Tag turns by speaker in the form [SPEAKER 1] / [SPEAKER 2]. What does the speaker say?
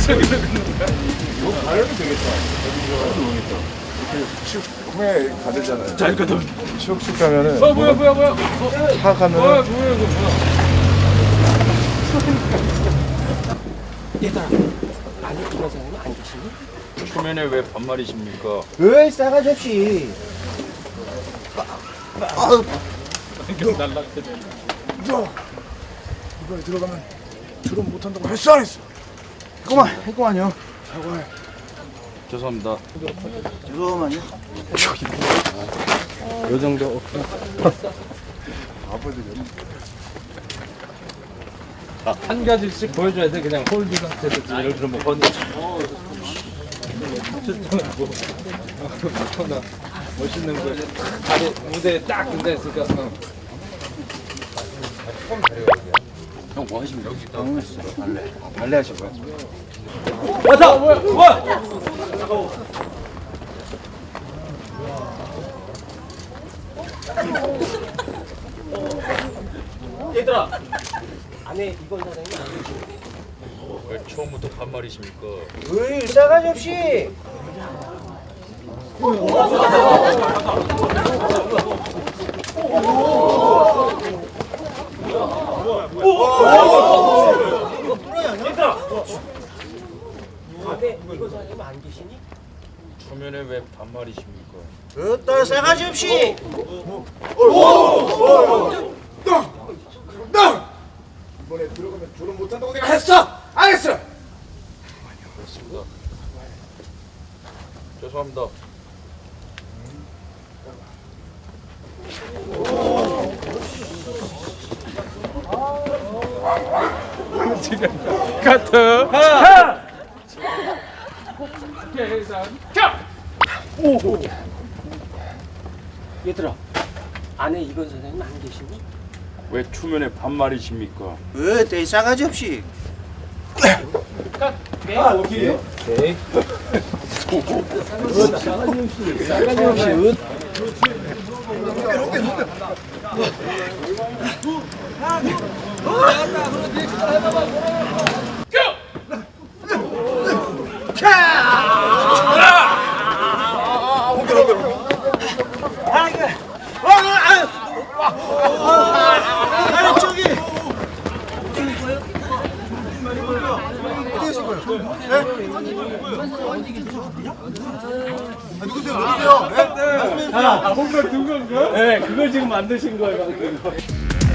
[SPEAKER 1] 가려면 되겠다. 이렇게 후에 가되잖아요.
[SPEAKER 2] 자, 이거 좀.
[SPEAKER 1] 슉슉 가면은.
[SPEAKER 2] 뭐야.
[SPEAKER 1] 차 가면은.
[SPEAKER 2] 뭐야.
[SPEAKER 3] 얘들아, 아니 이런 사람이 안 계시니?
[SPEAKER 2] 초면에 왜 반말이십니까?
[SPEAKER 3] 왜 싸가지 없이?
[SPEAKER 1] 너 이번에 들어가면 졸업 못한다고 했어 안 했어?
[SPEAKER 3] 했구만요.
[SPEAKER 1] 사과해.
[SPEAKER 2] 죄송합니다.
[SPEAKER 3] 죄송하만요.
[SPEAKER 2] 요 정도.
[SPEAKER 1] 아버지는
[SPEAKER 2] 한 가지씩 보여줘야 돼. 그냥 홀드 상태에서 예를 들어 뭐 건너. 멋있는 거. 다리 무대에 딱 앉아 있으니까. 형 뭐 하시면 여기 있다. 발레 하실 거야? 왔다! 뭐야?
[SPEAKER 3] 얘들아, 안에 이건 사람이 안 계시니?
[SPEAKER 2] 왜 처음부터 반말이십니까?
[SPEAKER 3] 왜 싸가지 없이? 안에 이건 사람이 안 계시니?
[SPEAKER 2] 초면에 왜 반말이십니까?
[SPEAKER 3] 어따 싸가지 없이?
[SPEAKER 1] 너 이번에 들어가면 졸업 못한다고 내가 했어 안 했어?
[SPEAKER 2] 그렇습니다. 죄송합니다. 지금 카트.
[SPEAKER 3] 얘들아, 안에 이건 사람이 안 계시니?
[SPEAKER 2] 왜 초면에 반말이십니까?
[SPEAKER 3] 어따 싸가지 없이?
[SPEAKER 2] 아, 뭔가 두 건가? 네, 그걸 지금 만드신 거예요.